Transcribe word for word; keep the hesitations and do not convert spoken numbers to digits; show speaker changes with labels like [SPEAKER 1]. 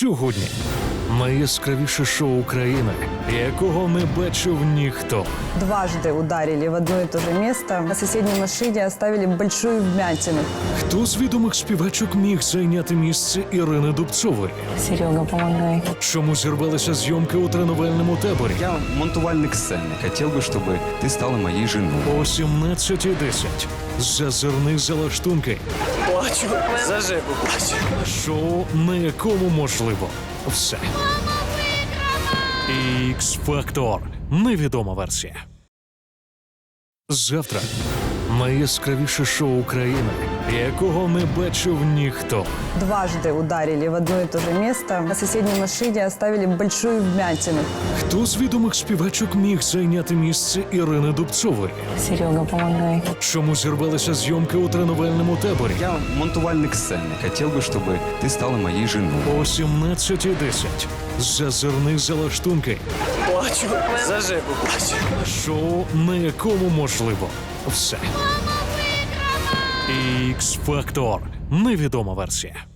[SPEAKER 1] Сьогодні найяскравіше шоу України, якого не бачив ніхто.
[SPEAKER 2] Дважды ударили в одно и то же место. На соседней машине оставили большую вмятину.
[SPEAKER 1] Хто з відомих співачок міг зайняти місце Ірини Дубцової?
[SPEAKER 3] Серега, помогай.
[SPEAKER 1] Чому зірвалися зйомки у тренувальному таборі?
[SPEAKER 4] Я монтувальник сцени. Хотел бы, чтобы ты стала моей женой.
[SPEAKER 1] О сімнадцятій десять. Зазирни залаштунки.
[SPEAKER 5] Плачу, за Жеку плачу.
[SPEAKER 1] Шоу, на якому можливо все. Ікс-фактор. Невідома версія. Завтра найяскравіше шоу України, якого не бачив ніхто.
[SPEAKER 2] Дважды ударили в одно и то же место. На соседней машине оставили большую вмятину.
[SPEAKER 1] Хто з відомих співачок міг зайняти місце Ірини Дубцової?
[SPEAKER 3] Серега, помогай.
[SPEAKER 1] Чому зірвалися зйомки у тренувальному таборі?
[SPEAKER 4] Я монтувальник сцени. Хотел бы, чтобы ты стала моей женой.
[SPEAKER 1] О сімнадцятій десять. Зазирни залаштунки.
[SPEAKER 5] Плачу, за Жеку плачу.
[SPEAKER 1] Шоу, на якому можливо все. Ікс-фактор. Невідома версія.